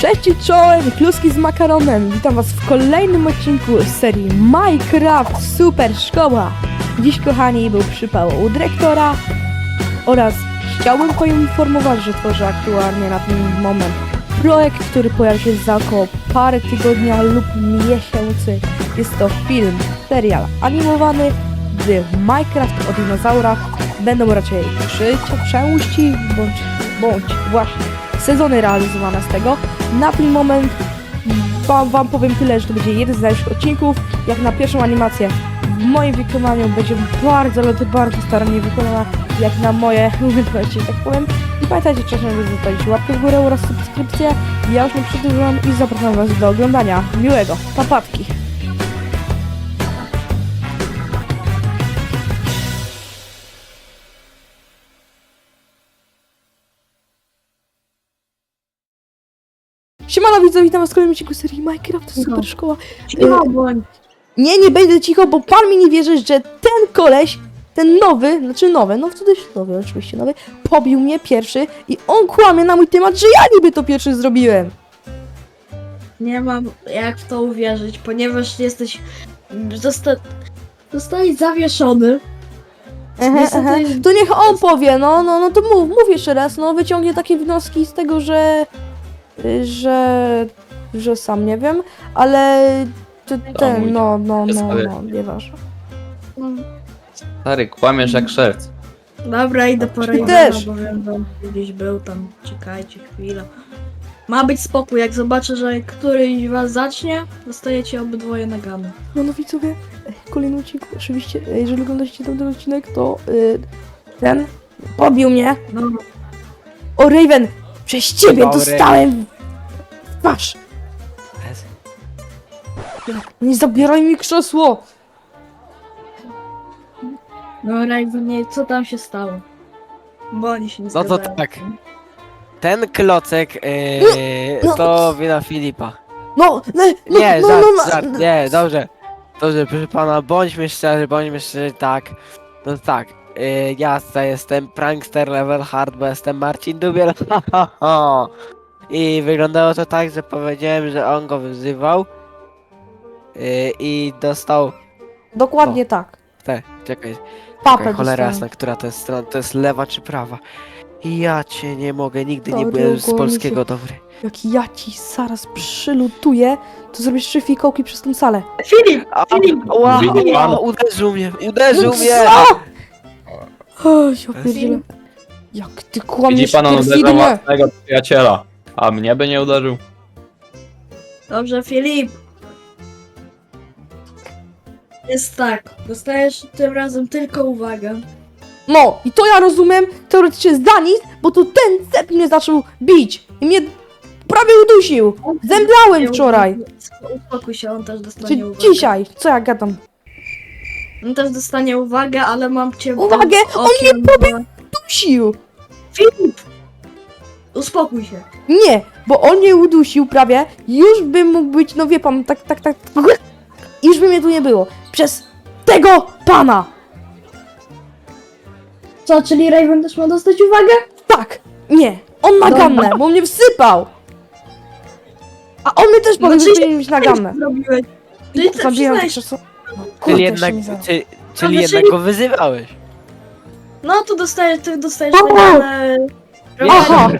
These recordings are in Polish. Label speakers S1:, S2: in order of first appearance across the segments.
S1: Cześć i czołem, kluski z makaronem. Witam was w kolejnym odcinku z serii Minecraft Super Szkoła. Dziś, kochani, był przypał u dyrektora oraz chciałbym poinformować, że tworzę aktualnie na ten moment projekt, który pojawi się za około parę tygodni lub miesięcy. Jest to film, serial animowany, gdy Minecraft o dinozaurach będą raczej części bądź właśnie sezony realizowane z tego. Na ten moment wam powiem tyle, że to będzie jeden z najlepszych odcinków. Jak na pierwszą animację w moim wykonaniu będzie bardzo, ale to bardzo starannie wykonana, jak na moje umiejętności, tak powiem. I pamiętajcie czasem, żeby zostawić łapkę w górę oraz subskrypcję. Ja już nie przedłużam i zapraszam was do oglądania. Miłego, papatki! Siemano widzowie, witam was w kolejnym odcinku serii Minecraft Super Szkoła. Nie będę cicho, bo pan mi nie wierzy, że ten koleś, ten nowy, no w cudzysłowie nowy, oczywiście nowy, pobił mnie pierwszy i on kłamie na mój temat, że ja niby to pierwszy zrobiłem.
S2: Nie mam jak w to uwierzyć, ponieważ zostałeś zawieszony.
S1: To niech on powie, no to mów jeszcze raz, no wyciągnie takie wnioski z tego, że sam nie wiem, ale nieważne.
S3: Stary, kłamiesz jak szewc.
S2: Dobra, idę po Raven'a,
S1: też.
S2: bo wiem, że on gdzieś był tam. Czekajcie chwilę. Ma być spokój, jak zobaczę, że któryś was zacznie, dostajecie obydwoje nagany.
S1: No widzowie, kolejny odcinek, oczywiście, jeżeli oglądacie ten odcinek, to ten pobił mnie.
S2: No,
S1: O Raven, przez ciebie
S4: Dobry.
S1: dostałem w twarz. Nie zabieraj mi krzesło.
S2: no Raven, co tam się stało? Bo oni się nie
S4: No to
S2: zgadzają.
S4: tak. Ten klocek
S1: No.
S4: to wina Filipa.
S1: no,
S4: Nie, żart, nie, dobrze. Dobrze, proszę pana, bądźmy szczerzy, tak. No tak, ja tutaj jestem prankster level hard, bo jestem Marcin Dubiel, I wyglądało to tak, że powiedziałem, że on go wyzywał i dostał
S1: Dokładnie tak.
S4: czekaj,
S1: Papę
S4: cholera
S1: dostałem.
S4: jasna, która to jest strona, to jest lewa czy prawa? I ja cię nie mogę, nigdy nie
S1: Dobry,
S4: byłem z
S1: ogólnie
S4: polskiego dobry.
S1: Jak ja ci zaraz przylutuję, to zrobisz 3 fikołki przez tą salę.
S2: Filip!
S4: Widzi pan? Uderzył mnie!
S1: O, ja pierdzielę. Jak ty kłamiesz,
S3: Widzi pan, on uderza
S1: perfidnie.
S3: własnego przyjaciela, a mnie by nie uderzył.
S2: Dobrze, Filip! Jest tak, dostajesz tym razem tylko uwagę.
S1: No, i to ja rozumiem teoretycznie za nic, bo to ten cep mnie zaczął bić i mnie prawie udusił. Zemdlałem wczoraj.
S2: Uspokój się, on też
S1: Czy
S2: dostanie uwagę.
S1: dzisiaj? Co ja gadam?
S2: On też dostanie uwagę, ale mam cię...
S1: Uwagę!
S2: pod
S1: On mnie
S2: okiem,
S1: Udusił!
S2: Filip! Uspokój się.
S1: Nie, bo on mnie udusił prawie, już bym mógł być, no wie pan, tak, już by mnie tu nie było. Przez tego pana!
S2: Co, czyli Raven też ma dostać uwagę?
S1: Tak, nie, on naganne, bo mnie wsypał. A on mnie też powiedział, że powinien mieć naganne.
S2: Zrobiłeś. Czyli ty
S1: Zabijam
S2: przyznajesz.
S1: krzesło.
S4: Czyli jednak, czyli jednak go wyzywałeś.
S2: No to ty dostajesz
S1: O!
S2: naganę.
S1: Aha.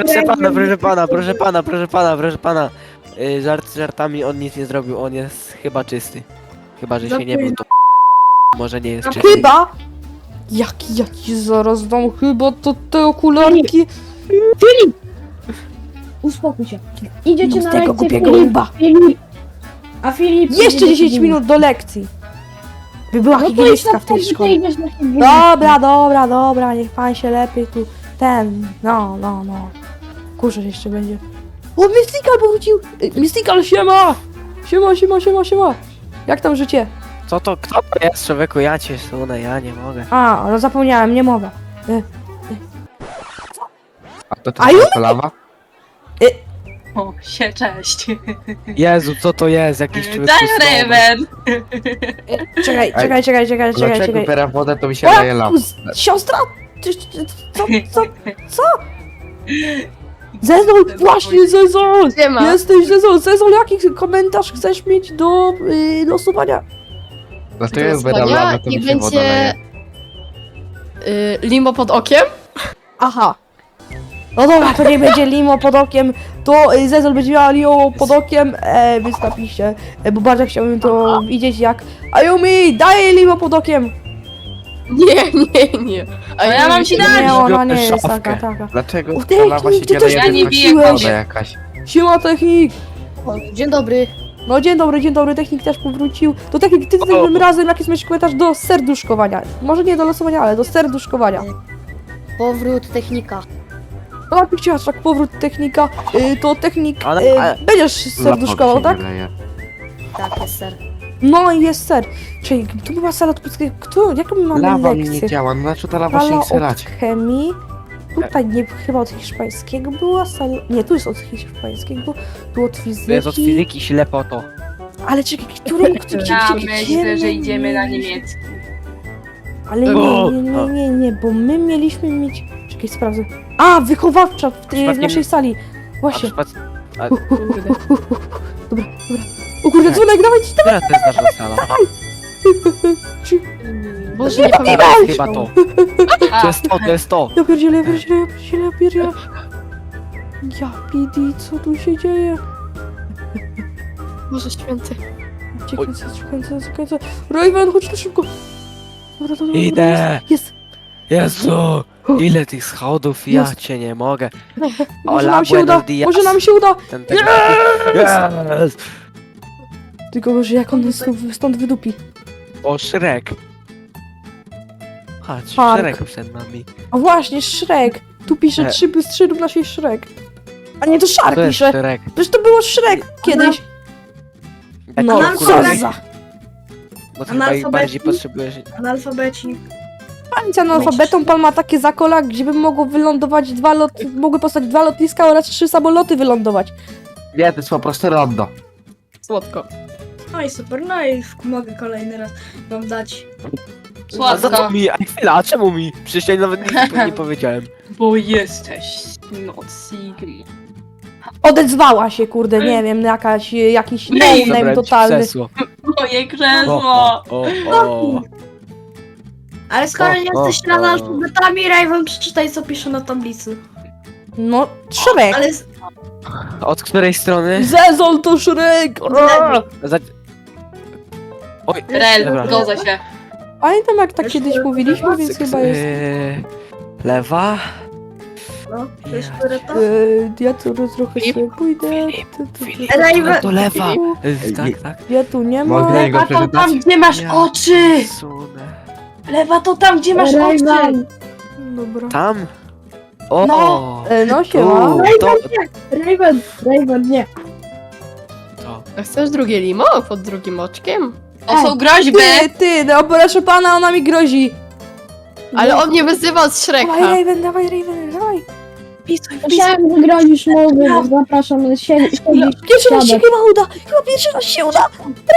S4: Proszę pana. Żartami on nic nie zrobił, on jest chyba czysty. Chyba, że się nie był, to może nie jest czysty.
S1: Chyba? Jak ja ci zaraz dam, chyba to te okularki.
S2: Filip! Uspokój się. Idziecie
S1: No z
S2: na
S1: tego
S2: lekcję,
S1: głupiego
S2: Filip.
S1: łba.
S2: Filip. A Filip...
S1: Jeszcze
S2: idzie do
S1: 10
S2: siebie.
S1: minut do lekcji. By była
S2: No to idź
S1: higienistka
S2: na
S1: w tej
S2: wstępie,
S1: szkole.
S2: idziesz na chwilę.
S1: Dobra, niech pan się lepiej tu no. Kurczę, jeszcze będzie. O, Mystical powrócił! Mystical, siema! Siema. Jak tam życie?
S4: Kto to jest, człowieku? Ja cię sunę, ja nie mogę.
S1: A, no zapomniałem, nie mowa.
S3: A to
S1: A już?
S3: lawa?
S5: O, cześć.
S4: Jezu, co to jest? Jakiś człowiek
S5: Cześć, Raven.
S1: Czekaj.
S3: Dlaczego biorę wodę, to mi się
S1: O,
S3: daje lawa.
S1: siostra? Co? Zezol, właśnie Zezol!
S6: Siema.
S1: Jesteś Zezol! Zezol, jaki komentarz chcesz mieć do losowania?
S3: Dlatego jak wydam lawę, to
S6: i
S3: mi się woda leje.
S6: będzie limo pod okiem.
S1: Aha. No dobra, to nie będzie limo pod okiem, to Zezol będzie miała limo pod okiem, więc napiszcie, bo bardzo chciałbym to widzieć jak Ayumi, daje limo pod okiem!
S6: Nie.
S5: A ja mam ci dać!
S1: Nie, ona nie jest
S4: Szafkę.
S1: taka.
S3: Dlaczego
S1: O,
S3: ta lawa się
S1: ty
S3: nie
S1: też
S3: leje,
S5: ja nie
S3: jak
S5: biję
S3: woda
S1: kogoś.
S3: jakaś?
S1: Siema Technik!
S6: Dzień dobry.
S1: No dzień dobry, Technik też powrócił. To Technik, ty tym razem jaki jest komentarz do serduszkowania. Może nie do losowania, ale do serduszkowania.
S6: Powrót technika.
S1: No napiszcie hashtag powrót Technika, to Technik,
S4: Ale-
S1: będziesz serduszkował,
S3: Lawa
S1: tak?
S3: się nie leje.
S6: Tak, jest ser.
S1: No i jest ser. Czyli tu była sala od polskiego, jaką my mamy
S3: Lawa mi
S1: lekcję?
S3: nie działa, no dlaczego ta lawa się
S1: Sala
S3: nie chce
S1: od
S3: lać?
S1: chemii. Tutaj nie, chyba od hiszpańskiego była sala. Nie, tu jest od hiszpańskiego, tu od fizyki.
S4: To jest od fizyki ślepoto.
S1: Ale czekaj, który.
S5: Ja myślę, że idziemy na niemiecki.
S1: Ale nie, bo my mieliśmy mieć. Czekaj, sprawdzę. A, wychowawcza w
S4: Przypadkiem-
S1: naszej sali.
S4: A
S1: Właśnie.
S4: przypad... A,
S1: Dobra. O kurde, dzwonek, dawaj,
S4: która to jest nasza sala?
S6: Boże, nie
S4: To
S6: pamiętam.
S4: jest chyba to.
S5: A,
S4: To jest to, to jest to.
S1: Ja pierdzielę. Ja pidi, co tu się dzieje?
S6: Boże święty.
S1: Ciekawe. Raven, chodź tu szybko. Dobra.
S4: Idę.
S1: Jest.
S4: Jezu, ile tych schodów, ja
S1: Jest.
S4: cię nie mogę.
S1: Może
S4: Hola,
S1: nam się uda.
S4: buenos dias.
S1: Może nam się uda.
S4: Ten tego... Yes!
S1: Tylko może jak on stąd wydupi.
S4: O, Shrek. Patrz,
S1: Park.
S4: Shrek przed nami.
S1: A właśnie, Shrek. Tu pisze 3+3 równa się Shrek. A nie, to Shark
S4: To jest
S1: pisze.
S4: Shrek.
S1: Przecież to było Shrek kiedyś.
S4: Tak,
S1: No,
S4: akurat
S1: co
S4: jest,
S1: za...
S4: Bo ty chyba ich bardziej potrzebujesz.
S2: Analfabeci.
S1: Pan jest analfabetą, pan ma takie zakola, gdzie by mogło wylądować mogły powstać 2 lotniska oraz 3 samoloty wylądować.
S3: Nie, to jest po prostu rondo.
S6: Słodko.
S2: No i super, no i mogę kolejny raz wam dać.
S4: A za co
S5: słodko,
S4: mi? Ej, chwila, a czemu mi? Przecież ja nawet nic nie powiedziałem.
S5: bo jesteś not Sigma.
S1: Odezwała się, kurde, nie wiem, jakiś
S5: Ej,
S1: no-name
S4: Zabrać
S1: totalny.
S4: krzesło.
S5: Moje
S4: O,
S5: krzesło!
S4: o.
S2: Ale skoro nie
S4: O,
S2: jesteś
S4: o.
S2: analfabetami, Raven, przeczytaj co pisze na tablicy.
S1: No, Shrek.
S2: Ale
S4: Od której strony?
S1: Zezol to Shrek!
S4: Za... Oj,
S5: Rel,
S4: dobra.
S5: zgodzę się.
S1: Pamiętam jak tak kiedyś mówiliśmy, więc chyba jest...
S4: Lewa.
S2: no, to jest które to?
S1: Ja tu trochę sobie pójdę.
S2: Raven,
S4: To lewa. Tak, tak.
S1: Ja tu nie ma.
S3: Mogę jego
S5: Lewa to tam,
S3: przeczytać?
S5: gdzie masz
S4: Ja
S5: oczy!
S4: Sunę.
S5: Lewa to tam, gdzie masz oczy!
S2: Raven,
S1: Dobra.
S4: Tam? O!
S5: No.
S1: No siema.
S4: To,
S2: Raven, nie.
S4: to.
S6: A chcesz drugie limo pod drugim oczkiem?
S5: To są groźby!
S1: No proszę pana, ona mi grozi.
S6: Ale on mnie wyzywał z Shreka.
S1: Dawaj Raven, dawaj.
S2: Myślałem, że grozisz mowy, zapraszam na
S1: Pierwszy raz się chyba uda. Chyba pierwszy raz się uda.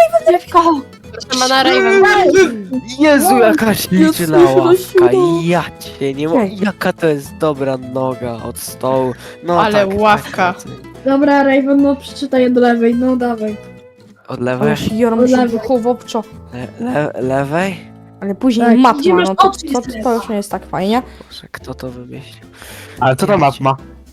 S6: Proszę pana Raven.
S4: Jezu, jaka śliczna
S1: Jezu,
S4: ławka.
S1: Jezu.
S4: Ja cię nie mogę.
S1: Ej.
S4: Jaka to jest dobra noga od stołu. No
S6: Ale
S4: tak,
S6: ławka.
S4: Tak,
S2: Dobra, Raven, no przeczytaj od lewej, no dawaj.
S4: od lewej?
S1: Ale się joram się wychowawczo.
S4: Lewej?
S1: Ale później
S2: Tak,
S1: matma,
S2: gdzie masz
S1: no to,
S2: oczy
S1: to już nie jest tak fajnie.
S4: Boże, kto to wymyślił?
S3: Ale co to map ma?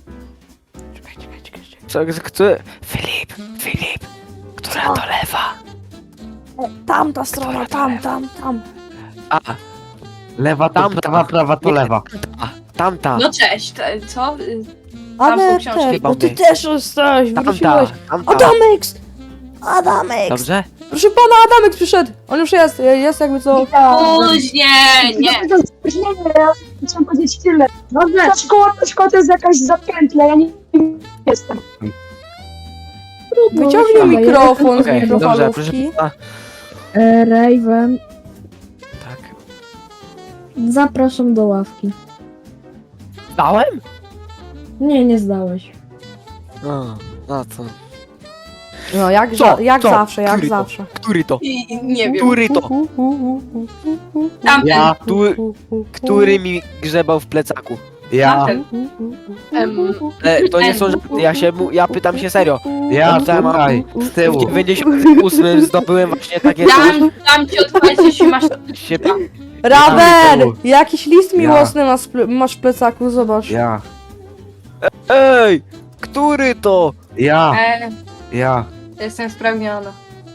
S4: Czekaj. Kto? Filip! Która to lewa?
S1: Tamta strona, tam.
S4: A,
S3: Lewa to
S4: Tamta.
S3: prawa to lewa.
S4: tamta.
S5: No cześć, co?
S1: Ale
S5: są książki.
S1: te, bo ty też jesteś, wróciłeś.
S4: Tamta.
S1: Adamex!
S4: Dobrze?
S1: Proszę pana, Adamex przyszedł. On już jest jakby co.
S5: Później, nie!
S7: Chciałam powiedzieć tyle. Ta szkoła to jest jakaś zapętla, ja nie jestem.
S1: Wyciągnij mikrofon z
S4: Okej, dobrze, proszę
S1: mikrofalówki.
S4: pana.
S2: Raven,
S4: Tak.
S2: zapraszam do ławki.
S4: Dałem?
S2: Nie zdałeś.
S4: No to.
S1: No jak,
S4: Co?
S1: jak
S4: Co?
S1: zawsze, jak
S4: Który to?
S1: zawsze.
S4: Który to?
S5: Nie wiem.
S4: Który to?
S5: Tamten.
S4: Który mi grzebał w plecaku?
S3: Ja,
S4: To nie są żarty, ja pytam się serio.
S3: ja
S4: Tam
S3: tutaj, z
S4: W
S3: tyłu.
S4: 98 zdobyłem właśnie takie coś.
S5: Dam ci odpalić, jeśli masz...
S4: Się...
S1: Raven!
S3: tyłu.
S1: Jakiś list
S3: Ja.
S1: miłosny masz w plecaku, zobacz.
S3: Ja,
S4: Ej! Który to?
S3: ja, ja.
S5: Jestem spragniona.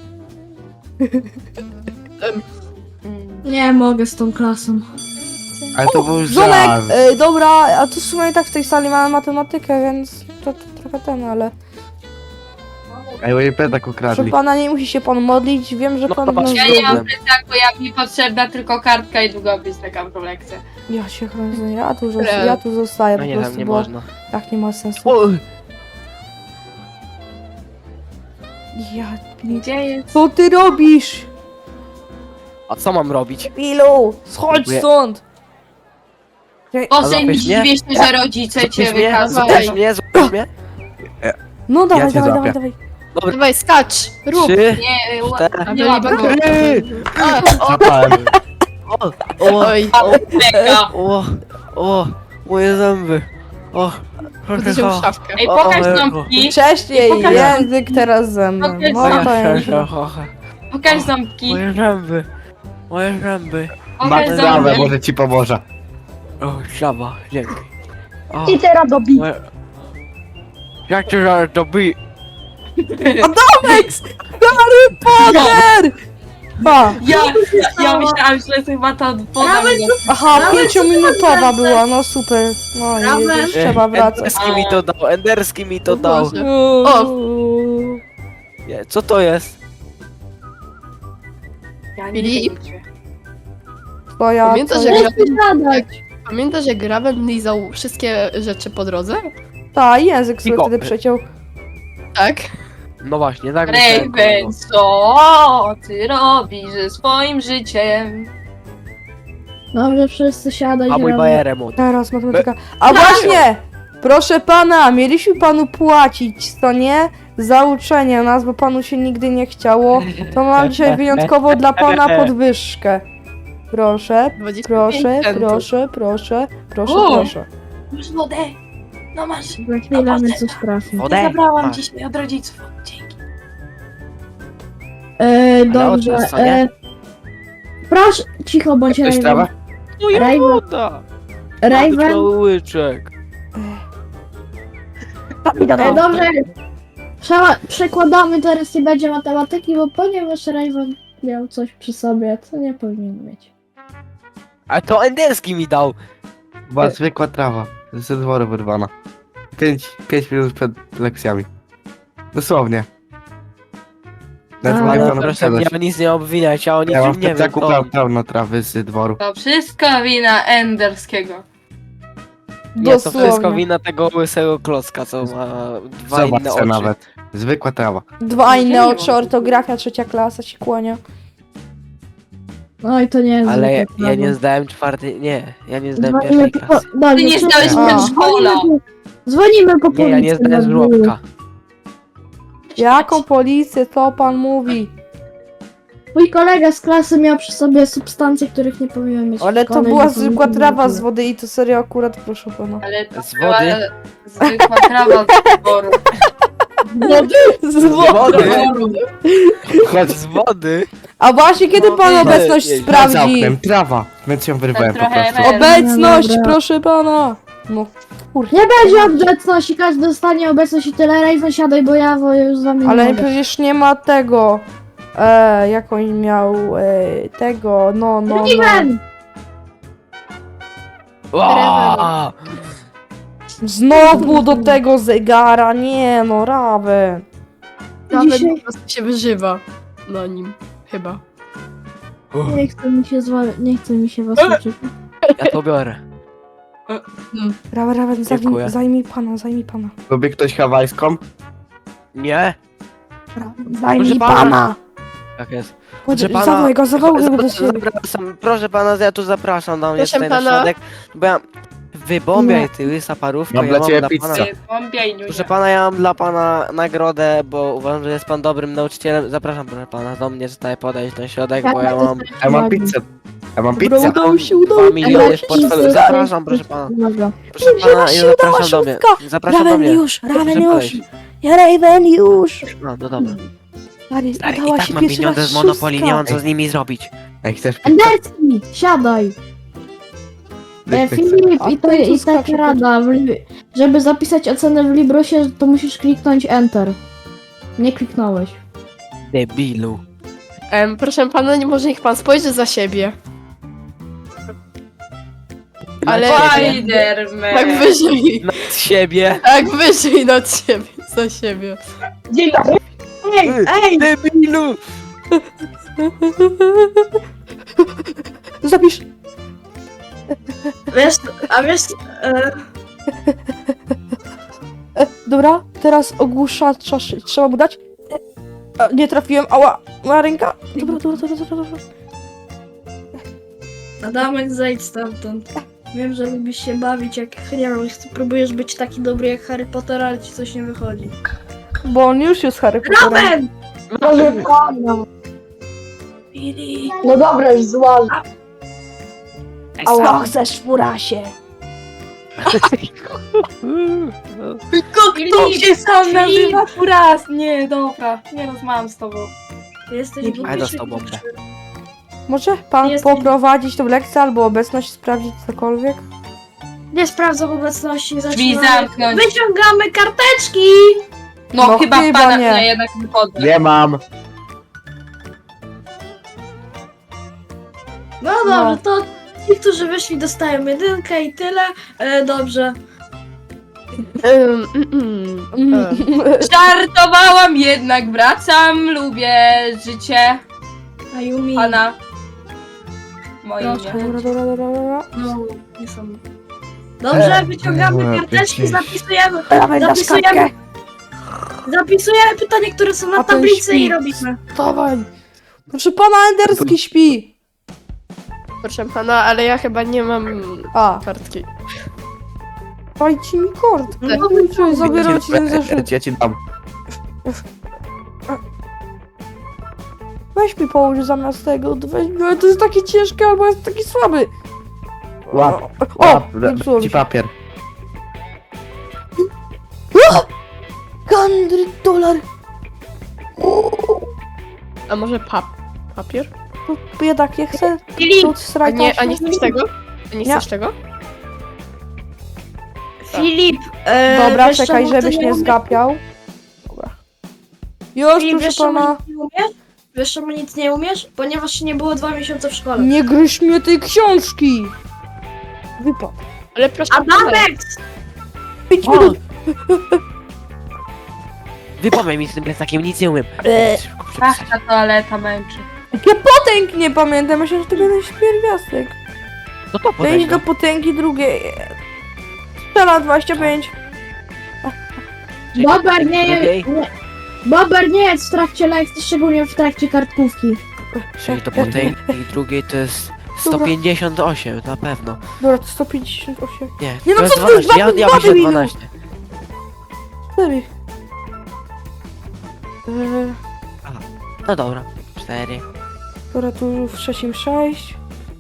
S2: Nie mogę z tą klasą.
S3: Ale to był
S1: Żonek!
S3: żart.
S1: Dobra, a tu w sumie i tak w tej sali mamy matematykę, więc to trochę ten, ale...
S3: Ej, moje tak
S1: Proszę
S3: ukradli.
S1: pana, nie musi się pan modlić, wiem, że
S4: No
S1: pan
S4: to
S1: w nas
S4: właśnie.
S5: Ja nie mam
S1: lubi.
S5: plecaku, mi potrzebna tylko kartka i długopis, taka kolekcja.
S1: Ja się chronię, ja
S6: Dobra.
S1: tu zostaję
S4: No
S1: po
S4: nie,
S1: prostu,
S4: tam nie
S1: bo
S4: można.
S1: tak nie ma sensu.
S4: O,
S1: Ja...
S5: Gdzie jest?
S1: Co ty robisz?
S4: a co mam robić?
S1: Pilu, schodź
S4: Dziękuję.
S1: stąd!
S4: A
S5: Boże, nie
S4: złapiesz mnie?
S5: dziwię się, że rodzice cię
S4: Złapiesz mnie?
S5: wykazują.
S4: Złapiesz mnie? Złapiesz mnie?
S1: No dawaj,
S3: cię
S1: dawaj,
S3: złapię.
S1: dawaj.
S4: Dobra,
S6: Dawaj, skacz! Rób!
S4: 3,
S5: Nie,
S4: cztery.
S5: nie łapę go.
S3: Zapałem.
S4: O,
S6: Oj,
S5: Mega.
S4: moje zęby. O, proszę
S6: wziął
S4: o.
S6: szafkę.
S5: Ej,
S4: O,
S5: pokaż
S4: o,
S5: ząbki.
S1: Wcześniej
S5: Pokaż-
S1: język, teraz ze mną.
S5: Pokaż
S1: No to
S5: ząbki.
S1: nieźle.
S5: Pokaż ząbki.
S4: Moje zęby. Moje zęby.
S5: Pokaż
S3: Masz trawę,
S5: ząbki.
S3: może ci pomoże.
S4: O, siaba, dzięki. O,
S7: I teraz dobi.
S4: moje... Jak cię zaraz dobi...
S1: Adamex! Harry Potter! Pa!
S5: Ja myślałam, że to jest chyba ta woda.
S1: Aha, 5-minutowa była, no super. No i już trzeba wracać.
S4: Enderski mi to dał, Enderski mi to dał.
S6: Boże.
S4: Nie, co to jest?
S6: Filip?
S1: To ja,
S6: Pamiętasz,
S1: to
S6: jak
S1: ja.
S6: Raven, pamiętasz, jak Raven lizał wszystkie rzeczy po drodze?
S1: Ta, język sobie
S4: Niko.
S1: wtedy przeciął.
S6: Tak.
S4: No właśnie, tak myślałem,
S5: Raven, co ty robisz ze swoim życiem?
S2: Dobrze, wszyscy siadać.
S4: A mój
S2: Raven.
S4: bajerem od...
S1: Teraz matematyka. A właśnie! Proszę pana, mieliśmy panu płacić, co nie? Za uczenie nas, bo panu się nigdy nie chciało. To mam dzisiaj wyjątkowo dla pana podwyżkę. Proszę,
S6: 25
S1: proszę,
S6: centów.
S1: proszę, proszę, proszę,
S5: O!
S1: proszę.
S5: Masz wodę. No masz.
S2: Za chwilę my coś trafimy.
S4: Wodę?
S5: Zabrałam
S4: Masz.
S5: dzisiaj od rodziców. Dzięki.
S2: Dobrze.
S4: od nas, co nie?
S2: Proszę, cicho bądź
S3: Chcesz
S2: Raven.
S3: trawę?
S4: No i
S2: Raven.
S4: woda!
S2: Raven.
S4: Mały łyczek.
S2: Dobrze. Przekładamy teraz nie będzie matematyki, bo ponieważ Raven miał coś przy sobie, co nie powinien mieć.
S4: A to Enderski mi dał.
S3: Była zwykła trawa. Ze dworu wyrwana. 5 minut przed lekcjami. Dosłownie. Nawet
S1: Ale
S3: jak to
S4: Proszę
S3: napisałeś.
S4: mnie o nic nie obwiniać, ja o
S3: Ja mam
S4: niczym
S3: w
S4: nie wiem.
S3: plecaku
S4: To...
S3: pełno trawy z dworu.
S5: To wszystko wina Enderskiego.
S4: Nie, to wszystko
S1: Dosłownie.
S4: wina tego łysego klocka, co ma dwa
S3: Zobacz
S4: inne
S3: se
S4: oczy.
S3: nawet. Zwykła trawa.
S1: 2 inne oczy, ortografia, 3. klasa się kłania.
S2: No i to nie jest
S4: Ale ja
S2: zwykłe
S4: nie
S2: prawo.
S4: zdałem czwartej, nie, ja nie zdałem
S2: Dzwonimy
S4: pierwszej
S2: po,
S4: klasy.
S2: dobrze,
S5: Ty nie zdałeś
S1: A.
S5: przedszkola.
S2: Dzwonimy po
S4: Nie,
S2: policję.
S4: ja nie zdałem żłobka.
S1: Jaką policję, co pan mówi?
S2: Mój kolega z klasy miał przy sobie substancje, których nie powinien mieć w
S1: Ale to
S2: szkole,
S1: była
S2: nie
S1: zwykła
S2: powinien
S1: trawa
S2: mieć.
S1: z wody i to serio akurat, proszę pana.
S5: Ale to
S4: Z
S5: była
S4: wody?
S5: zwykła trawa z dworu.
S1: Z wody.
S3: Chodź
S4: Z wody?
S1: A właśnie, kiedy pan
S4: No,
S1: obecność
S4: jedź.
S3: za
S1: sprawdzi?
S3: oknem. Trawa. Więc ją wyrwałem po
S5: Trochę
S3: prostu.
S1: Obecność,
S2: Dobra.
S1: proszę pana! No, kurde.
S2: Nie będzie obecności, każdy dostanie obecność i tyle. Raven, siadaj, bo ja już z wami
S1: Ale
S2: nie mogę.
S1: przecież nie ma tego. Jak on miał tego, no.
S2: Raven!
S4: Ła!
S1: Znowu do tego zegara, nie no, Raven.
S6: Raven
S2: Dzisiaj-
S6: po prostu się wyżywa na nim. Chyba.
S2: Nie chce mi się was uczyć.
S4: Ja to biorę.
S1: Raven,
S4: Dziękuję.
S1: zajmij pana.
S3: Lubi ktoś hawajską?
S4: Nie?
S1: Raven, zajmij
S4: pana.
S1: pana.
S4: Tak jest.
S1: Chodź,
S4: Proszę pana,
S1: zawołaj go do siebie.
S4: Zapraszam, proszę pana, ja tu zapraszam do mnie
S6: Proszę
S4: tutaj na
S6: pana.
S4: środek, bo ja... Wybombiaj
S1: Nie.
S4: ty łysa parówko,
S3: Mam
S4: ja
S3: dla
S4: mam
S3: ciebie
S4: dla
S3: pizzę.
S4: pana...
S5: Bombie,
S4: Proszę pana, ja mam dla pana nagrodę, bo uważam, że jest pan dobrym nauczycielem. Zapraszam proszę pana do mnie tutaj podejść na środek, bo ja mam...
S3: Ja mam pizzę. Ja mam
S1: Dobra,
S3: pizzę.
S1: udało się,
S4: 2
S1: udało
S4: miliony
S1: się.
S4: w portfelu. Zapraszam, proszę pana.
S7: Uwaga.
S4: Proszę pana, ja zapraszam do mnie. Zapraszam do
S1: Raven
S4: mnie.
S1: już, Raven
S4: Proszę
S1: już.
S4: podejść.
S1: Ja Raven już.
S4: No, no dobra.
S1: Stary,
S4: Stary, i
S1: udała
S4: tak
S1: się
S4: mam
S1: pierwszy
S4: pieniądze
S1: raz
S4: z Monopoly,
S1: szóstka.
S4: nie mam co z nimi zrobić.
S3: Ej, chcesz pizzę?
S7: Anderski, siadaj. Filip,
S1: A
S7: i
S1: to
S7: taka
S1: skacze,
S7: rada, żeby zapisać ocenę w Librosie, to musisz kliknąć Enter. Nie kliknąłeś.
S4: Debilu.
S6: Proszę pana, nie może niech pan spojrzy za siebie. Ale
S5: Spiderman.
S6: tak wyżej,
S4: Nad siebie.
S6: tak wyżej nad siebie, za siebie.
S7: Dzień dobry. Ej,
S4: Debilu.
S1: Zapisz.
S2: Wiesz, a wiesz,
S1: Dobra, teraz ogłuszacza trzeba mu dać. Nie trafiłem, ała, moja ręka. Dobra.
S2: Adamek, zejdź stamtąd. Wiem, że lubisz się bawić jak chniarą i próbujesz być taki dobry jak Harry Potter, ale ci coś nie wychodzi.
S1: Bo on już jest Harry Potterem.
S2: Raven!
S7: proszę pana.
S2: Filip!
S7: No dobra, już zła.
S1: Co chcesz, furasie?
S5: Kto się sam nazywa Furas? Nie, dobra, nie rozmawiam z tobą.
S2: Ty jesteś
S1: Nie
S2: głupi,
S4: będę z
S2: czy
S4: tobą.
S2: głupi?
S1: Może pan
S2: Jesteś-
S1: poprowadzić tą lekcję albo obecność sprawdzić cokolwiek?
S2: Nie sprawdzam obecności,
S5: Drzwi
S2: zaczynamy.
S5: zamknąć.
S2: Wyciągamy karteczki!
S5: No,
S1: No
S5: chyba
S1: chyba
S5: pana,
S1: nie.
S5: ja jednak wychodzę.
S3: Nie mam.
S2: No dobrze, to ci, którzy wyszli, dostają jedynkę i tyle. Dobrze.
S5: Żartowałam, jednak wracam, lubię życie
S2: Ayumi.
S5: pana. Moje
S2: Proszę.
S5: imię.
S1: Dobra.
S2: No, nie są. Dobrze, wyciągamy karteczki, zapisujemy.
S1: Dawaj na
S2: Zapisujemy.
S1: szkapkę.
S2: Zapisujemy pytania, które są
S1: A
S2: na
S1: ten
S2: tablicy
S1: śpi.
S2: i robimy.
S1: Dawaj. Proszę pana, Enderski śpi.
S6: Proszę pana, ale ja chyba nie mam
S1: A,
S6: kartki.
S1: dajcie mi kort.
S2: No,
S1: Czy zabieram ci ten zeszyt?
S3: Ja ci dam.
S1: Weź mi połóż zamiast tego. Weź, ale to jest takie ciężkie, albo jest taki słaby.
S3: Łap,
S1: O,
S3: łap,
S1: zepsuło
S3: ci
S1: mi się.
S3: papier.
S1: $100.
S6: A może papier?
S1: Biedak, nie chcę.
S2: Filip,
S1: Tu
S6: A
S1: sraj
S6: nie chcesz tego? A nie
S1: Nie.
S6: chcesz tego?
S2: Filip.
S1: Dobra,
S2: wiesz,
S1: czekaj,
S2: czemu ty
S1: żebyś nie
S2: umiesz?
S1: zgapiał. Dobra. Już,
S2: Filip,
S1: proszę
S2: wiesz, czemu
S1: pana.
S2: nic nie umiesz? Wiesz, czemu nic nie umiesz? Ponieważ nie było 2 miesiące w szkole.
S1: Nie gryź mnie tej książki. Wypad.
S6: Ale proszę pana.
S2: Adamek!
S1: 5
S4: O!
S1: minut.
S4: Wypomnij mi z tym plecakiem, nic nie umiem. Szybko
S5: Ach,
S4: przepisać.
S5: ta toaleta męczy.
S1: Ja potęg nie pamiętam, myślę, że to jeden pierwiastek.
S4: No to
S1: Wejdź
S4: podejść
S1: do potęgi drugiej. Strzela 25.
S7: Bober nie
S4: Drugiej?
S7: Bober nie jest w trakcie lekcji, szczególnie w trakcie kartkówki.
S4: Czyli to potęgi drugiej to jest 158, na pewno.
S1: Dobra, to 158.
S4: Nie,
S1: Nie, no
S4: to jest
S1: co ty,
S4: 12, ja
S1: dwa
S4: myślę
S1: minut.
S4: 12.
S1: 4.
S4: No dobra, 4.
S1: Dobra, tu w trzecim 6.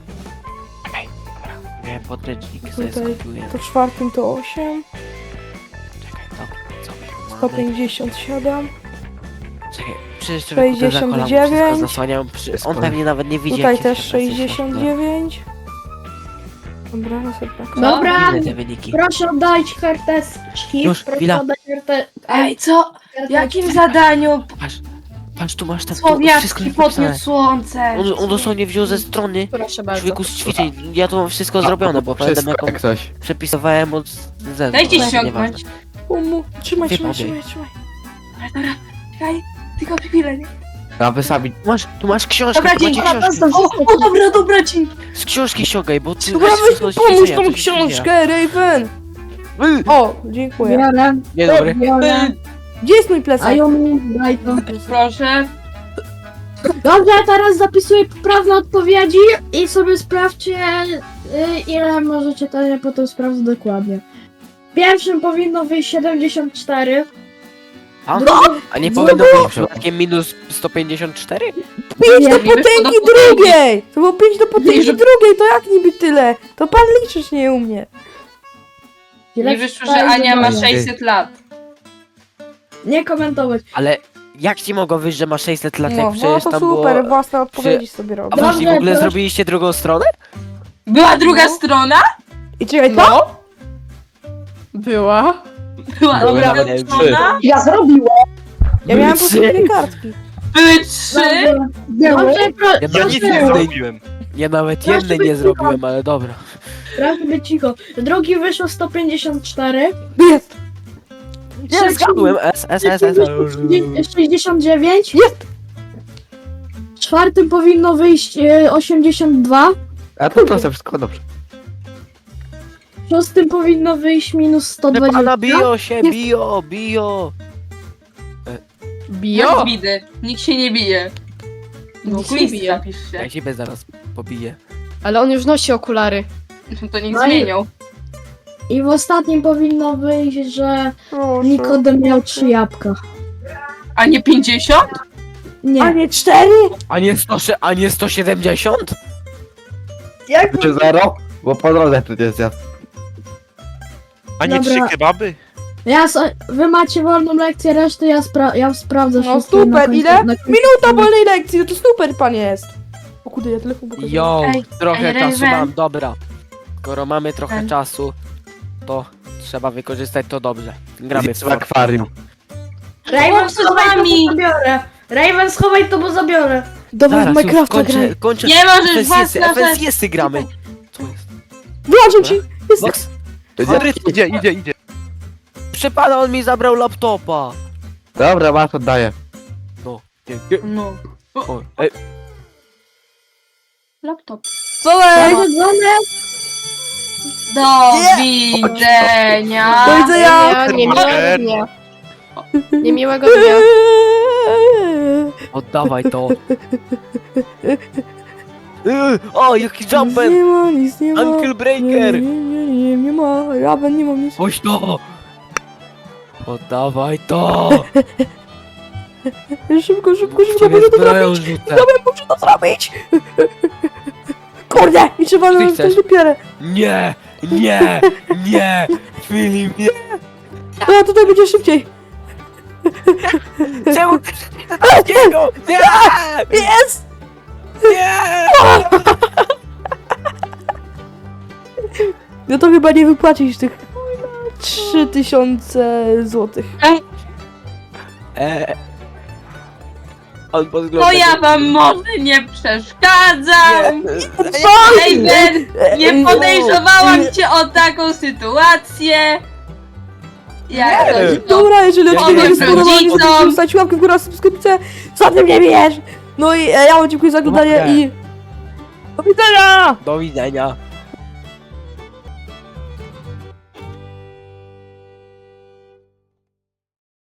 S4: Nie, podręcznik sobie
S1: Tutaj
S4: skopiuję.
S1: to w czwartym to 8.
S4: Czekaj, to co my mamy?
S1: 157.
S4: Czekaj, przecież człowieku to za kolana
S1: 69.
S4: wszystko zasłaniam. On pewnie nawet nie widzi
S1: Tutaj
S4: jak
S1: też
S4: się przepisać.
S1: 69. Dobra, następna karta.
S7: Dobra,
S4: Inne te wyniki.
S7: proszę oddać karteczki.
S4: Już,
S7: proszę
S4: chwila.
S7: oddać
S5: Ej, co? W jakim zadaniu?
S4: Patrz, tu masz tam wszystko
S5: Słowiaczki
S4: jest napisane.
S5: podniósł słońce.
S4: On dosłownie wziął ze strony
S6: Proszę bardzo.
S4: człowieku z ćwiczeń. Ja tu mam wszystko zrobione, bo pamiętam
S3: Wszystko
S4: jaką
S3: jak coś.
S4: przepisywałem od Z.
S5: Dajcie
S4: no,
S5: ściągnąć.
S1: Trzymaj,
S4: Wypadaj.
S1: trzymaj.
S5: Dobra, czekaj, tylko chwilę, nie?
S3: A wy sami.
S4: Tu masz książkę,
S5: Dobra,
S4: tu macie
S5: dziękuję.
S4: książkę.
S5: O, dobra, dzięki.
S4: Z książki ściągaj, bo ty
S1: Dobra,
S4: masz
S1: weź
S4: wszystko
S1: mi
S4: z
S1: pomóż
S4: ćwiczenia,
S1: tą
S4: to ćwiczenia.
S1: książkę, Raven! O, dziękuję.
S7: Biorę,
S4: Nie dobry.
S7: biorę.
S1: Gdzie jest mój plecak?
S7: Ayumi, daj to.
S5: Proszę.
S7: Dobrze, teraz zapisuję poprawne odpowiedzi i sobie sprawdźcie, ile możecie to, ja potem sprawdzę dokładnie. Pierwszym powinno wyjść 74.
S4: A?
S7: Drugi-
S4: A nie powinno być przypadkiem minus 154?
S1: 5 do
S7: Nie,
S1: potęgi
S5: do
S1: drugiej! To było 5 do potęgi
S5: że-
S1: drugiej, to jak niby tyle? To pan liczyć nie umie.
S5: Mi wyszło, że Ania ma 600 lat.
S7: Nie komentować.
S4: Ale jak ci mogło wyjść, że ma 600 lat, jak
S1: No,
S4: przecież
S1: no to
S4: tam
S1: super,
S4: było...
S1: własne odpowiedzi sobie
S4: A
S1: robię.
S4: właśnie w
S7: Dobrze,
S4: ogóle
S7: proszę.
S4: zrobiliście drugą stronę?
S5: Była druga strona?
S1: I czekaj, co?
S6: No. Była.
S5: Była
S4: Dobra,
S5: druga
S4: nie,
S5: strona?
S1: Ja miałem po prostu dwie kartki.
S5: Były 3?
S7: Dobrze,
S4: Ja
S8: Nic nie zrobiłem.
S4: Ja nawet
S7: Proszę
S4: jednej
S7: być
S4: nie
S7: cicho.
S4: zrobiłem, ale dobra.
S7: proszę być cicho. Drugi wyszło 154.
S1: Jest!
S4: Nie, zgadłem, S.
S7: 69.
S1: Jest!
S7: Czwartym powinno wyjść 82.
S3: A to proste, wszystko dobrze.
S7: Szóstym powinno wyjść minus 120.
S4: Pana bio się,
S1: Jest.
S4: bio.
S6: Bio?
S5: Widy. Nikt się nie bije. No,
S6: Nikt się nie bije.
S5: napisz się.
S4: Ja ciebie zaraz pobiję.
S6: Ale on już nosi okulary.
S5: To niech
S7: No i-
S5: zmienią.
S7: I w ostatnim powinno wyjść, że
S1: Proszę.
S7: Nikodem miał 3 jabłka.
S5: A nie 50?
S1: A
S7: Nie.
S1: nie 4?
S4: A nie 170?
S7: Jak
S3: Czy zero? Bo po drodze przecież zjadł.
S8: A nie
S7: Dobra.
S8: 3 kebaby?
S7: Wy macie wolną lekcję, resztę ja sprawdzę
S1: No
S7: wszystkie na
S1: super,
S7: końcu-
S1: ile?
S7: na końcu.
S1: Minuta wolnej lekcji, no to super pan jest. O kurde, ja telefon pokazuję.
S4: Jo,
S5: Ej,
S4: trochę
S5: ej,
S4: czasu
S5: Raven.
S4: mam, dobra. Skoro mamy trochę
S5: Ten.
S4: czasu, to trzeba wykorzystać to dobrze. Gramy w
S3: Zjedz w
S4: to.
S3: akwarium.
S7: Raven,
S5: przed
S7: schowaj to,
S5: wami.
S7: bo zabiorę. Raven, schowaj to, bo zabiorę.
S1: Dawaj w
S4: Zaraz, już
S1: Minecrafta graj.
S4: kończę.
S5: Nie możesz własna rzecz.
S4: FNCS-y gramy. Co jest?
S1: Wyłączam ci! Jest
S4: Box?
S8: Idzie.
S4: Przepada, on mi zabrał laptopa.
S3: Dobra, masz, oddaję.
S4: No.
S5: No.
S4: O, ej,
S5: Laptop.
S1: Solek!
S7: Powodzone.
S5: Do widzenia.
S1: Do widzenia!
S6: Niemiłego dnia. Niemiłego dnia.
S4: oddawaj to. O, jaki jumper!
S1: Nie ma, nic nie ma.
S4: Uncle Breaker!
S1: Nie ma, Raven nie ma nic.
S4: Chodź to! Oddawaj to!
S1: Szybko,
S4: Ciebie
S1: muszę to
S4: zbroją
S1: zrobić.
S4: rzucę.
S1: Muszę to zrobić! Kurde! I trzeba
S4: Co ty
S1: na
S4: chcesz?
S1: tą dupierę.
S4: Nie! Filip, nie!
S1: A tutaj będzie szybciej.
S4: Czemu ty takiego? Nie!
S1: Jest!
S4: Nie!
S1: No to chyba nie wypłacisz tych 3000 złotych.
S4: On podgląda.
S5: To ja wam może nie przeszkadzam. Raven, nie podejrzewałam cię o taką sytuację. Jak
S4: Nie.
S5: coś to...
S1: Dobra, jeżeli
S5: Ja
S1: odcinek
S5: nie
S1: jest spodobał,
S5: rodzicom.
S1: to zostać łapkę w górę, subskrypcję. Co ty mnie bijesz? No i ja wam dziękuję za oglądanie
S4: Mogę.
S1: i... Do widzenia!
S4: Do widzenia.